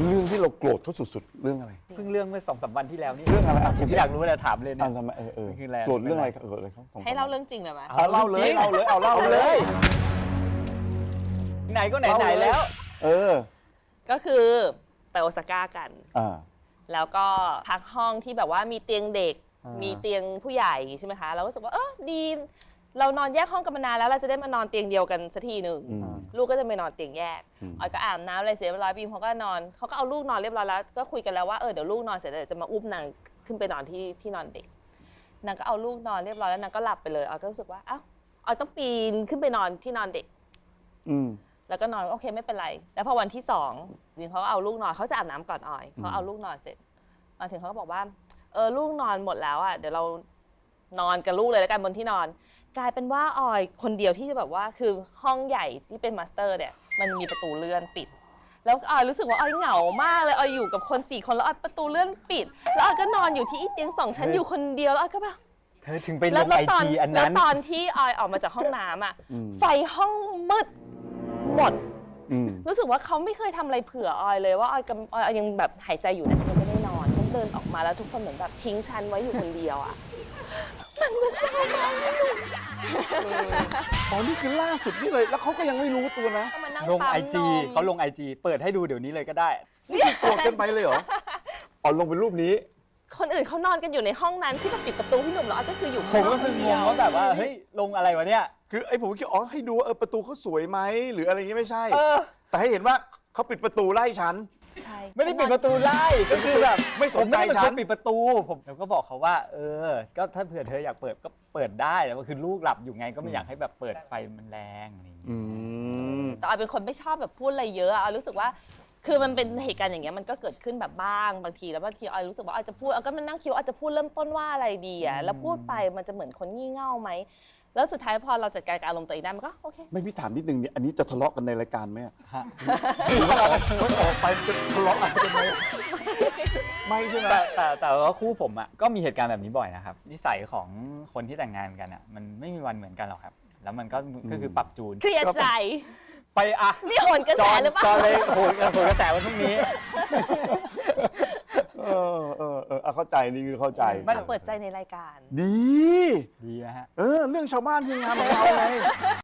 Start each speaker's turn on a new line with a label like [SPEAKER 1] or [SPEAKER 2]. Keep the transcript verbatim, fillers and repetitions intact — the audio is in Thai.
[SPEAKER 1] เรื่องที่เราโกรธเขาสุดๆเรื่องอะไร
[SPEAKER 2] เพิ่งเรื่องเมื่อสองสามวันที่แล้วนี่
[SPEAKER 1] เรื่องอะไรอ่ะ
[SPEAKER 2] ผมอยากรู้เลยถามเลยเนี่
[SPEAKER 1] อ่ะ
[SPEAKER 2] ย
[SPEAKER 1] ทำไมเออเออ
[SPEAKER 2] คือแรง
[SPEAKER 1] โกรธเรื่องอะไรเกิดอะไรเขาสองสม
[SPEAKER 3] ให้เล่าเรื่องจริงเลยไหม
[SPEAKER 1] เอาเล่าเลยเอาเลยเอาเล่า
[SPEAKER 2] เอา
[SPEAKER 1] เล
[SPEAKER 2] เลย ย ไหนก็ไหนไหนแล้ว
[SPEAKER 1] เออ
[SPEAKER 3] ก็คือไปโอซาก้ากัน
[SPEAKER 1] อ่า
[SPEAKER 3] แล้วก็พักห้องที่แบบว่ามีเตียงเด็ก
[SPEAKER 2] อ่ามี
[SPEAKER 3] มีเตียงผู้ใหญ่ใช่ไหมคะ เราก็รู้สึกว่าเออดี เรานอนแยกห้องกันมานานแล้วเราจะได้มานอนเตียงเดียวกันสักทีหนึ่ง
[SPEAKER 1] อืม
[SPEAKER 3] ลูกก็จะไปนอนเตียงแยก
[SPEAKER 1] อืม
[SPEAKER 3] ออยก็อาบน้ำอะไรเสร็จเรียบร้อยบีมเขาก็นอนเขาก็เอาลูกนอนเรียบร้อยแล้วก็คุยกันแล้วว่าเออเดี๋ยวลูกนอนเสร็จแล้วเดี๋ยวจะมาอุ้มนางขึ้นไปนอนที่ที่นอนเด็กนางก็เอาลูกนอนเรียบร้อยแล้วนางก็หลับไปเลยออยก็รู้สึกว่าอ้าวออยต้องปีนขึ้นไปนอนที่นอนเด็ก
[SPEAKER 1] อืม
[SPEAKER 3] แล้วก็นอนโอเคไม่เป็นไร แล้วพอวันที่สองวินเขาก็เอาลูกนอนเขาจะอาบน้ำก่อนออยเขาเอาลูกนอนเสร็จมาถึงเขาก็บอกว่าเออลูกนอนหมดแล้วอ่ะเดี๋ยวเรานอนกับลูกเลยแล้วกันบนที่นอน กลายเป็นว่าออยคนเดียวที่จะแบบว่าคือห้องใหญ่ที่เป็นมาสเตอร์เนี่ยมันมีประตูเลื่อนปิด แล้วออยรู้สึกว่าออยเหงามากเลยออยอยู่กับคนสี่คนแล้วออยประตูเลื่อนปิด แล้วออยก็นอนอยู่ที่เตียงสองชั้นอยู่คนเดียวแล้วออยก็แบบ
[SPEAKER 2] เธอถึงไปล
[SPEAKER 3] แล้ว
[SPEAKER 2] ง
[SPEAKER 3] แล้ว
[SPEAKER 2] ไอ
[SPEAKER 3] ตอน
[SPEAKER 2] จีอัน
[SPEAKER 3] แล้ว
[SPEAKER 2] นั้น
[SPEAKER 3] ตอนที่ออยออกมาจากห้องน้ำอ่ะ
[SPEAKER 1] อืม
[SPEAKER 3] ไฟห้องมืดหมด
[SPEAKER 1] อืม
[SPEAKER 3] รู้สึกว่าเขาไม่เคยทำอะไรเผื่อออยเลยว่าออยกำออยยังแบบหายใจอยู่นะฉันไม่ได้นอนฉันเดินออกมาแล้วทุกคนเหมือนแบบทิ้งฉันไว้อยู่คนเดียวอ่ะ
[SPEAKER 1] ตอนนี้คือล่าสุดนี่เลยแล้วเขาก็ยังไม่รู้ตัวนะ
[SPEAKER 3] ก็มานั่ง
[SPEAKER 2] ลง
[SPEAKER 3] ปั๊ม
[SPEAKER 2] ไอจี
[SPEAKER 3] นม
[SPEAKER 2] เขาลงไอจีเปิดให้ดูเดี๋ยวนี้เลยก็ได้
[SPEAKER 1] โกรธกันไปเลยเหรออ๋อลงเป็นรูปนี้
[SPEAKER 3] คนอื่นเขานอนกันอยู่ในห้องนั้นที่แบบปิดประตูพี่หนุ่มแล้วออยก็คืออยู่
[SPEAKER 2] ผมก็
[SPEAKER 3] ข้
[SPEAKER 2] เพิ่ง
[SPEAKER 3] น
[SPEAKER 2] ง
[SPEAKER 3] เดี
[SPEAKER 2] ง
[SPEAKER 3] ยว
[SPEAKER 2] ว่าแบบว่าเฮ้ยลงอะไรวะเนี่ย
[SPEAKER 1] คือไอ้ผมคิดอ๋อให้ดูว่าเออประตูเขาสวยไหมหรืออะไรอย่างงี้ไม่ใช่
[SPEAKER 2] เออ
[SPEAKER 1] แต่ให้เห็นว่าเขาปิดประตูไล่ฉัน
[SPEAKER 3] ใช่
[SPEAKER 2] ไม่ได้ปิดประตูไล่ก็คือแบบ
[SPEAKER 1] ไม่สนใจ
[SPEAKER 2] ผมไม่ได้เป็น
[SPEAKER 1] ฉั
[SPEAKER 2] คน นปิดประตูผมแล้วก็บอกเขาว่า เออ ก็ถ้าเผื่อเธออยากเปิดก็เปิดได้แต่ว่าคือลูกหลับอยู่ไงก็ไม่อยากให้แบบเปิดไฟมันแรงอะไรอย่างเงี้ย
[SPEAKER 1] อืม
[SPEAKER 3] แต่ออยเป็นคนไม่ชอบแบบพูดอะไรเยอะอะออยรู้สึกว่าคือมันเป็นเหตุการณ์อย่างเงี้ยมันก็เกิดขึ้นแบบบ้างบางทีแล้วบางทีออยรู้สึกว่าออยจะพูดออยก็มานั่งคิดว่าออยจะพูดเริ่มต้นว่าอะไรดีอะแล้วพูดไปมันจะเหมือนคนงี่เง่าไหมแล้วสุดท้ายพอเราจัดการกับอารมณ์ตัวเองได้มันก็โอเค
[SPEAKER 1] ไม่พี่ถามนิดนึงเนี่ยอันนี้จะทะเลาะกันในรายการไหมอะ
[SPEAKER 2] ฮะ
[SPEAKER 1] หรือว่าออกออกไปจะทะเลาะอะไรกันไหมไม่ใช่ไหม
[SPEAKER 2] แต่แต่แต่ว่าคู่ผมอ่ะก็มีเหตุการณ์แบบนี้บ่อยนะครับนิสัยของคนที่แต่งงานกันอ่ะมันไม่มีวันเหมือนกันหรอกครับ แล้วมันก็ก็คือปรับจูน
[SPEAKER 3] เคลียร์ใจ
[SPEAKER 2] ไปอ่ะ
[SPEAKER 3] นี่โหนกระ
[SPEAKER 2] จ
[SPEAKER 3] แส
[SPEAKER 2] อน
[SPEAKER 3] หรือเป
[SPEAKER 2] จ
[SPEAKER 3] ล่า
[SPEAKER 2] อนเลยโหนโหนกระแสวันพรุ่งนี้
[SPEAKER 1] เออเออเออเอาเข้าใจนี่คือเข้าใจ
[SPEAKER 3] ไม่เปิดใจในรายการ
[SPEAKER 1] ดี
[SPEAKER 2] ดีนะฮะ
[SPEAKER 1] เออ เรื่องชาวบ้านคืองานของเราไง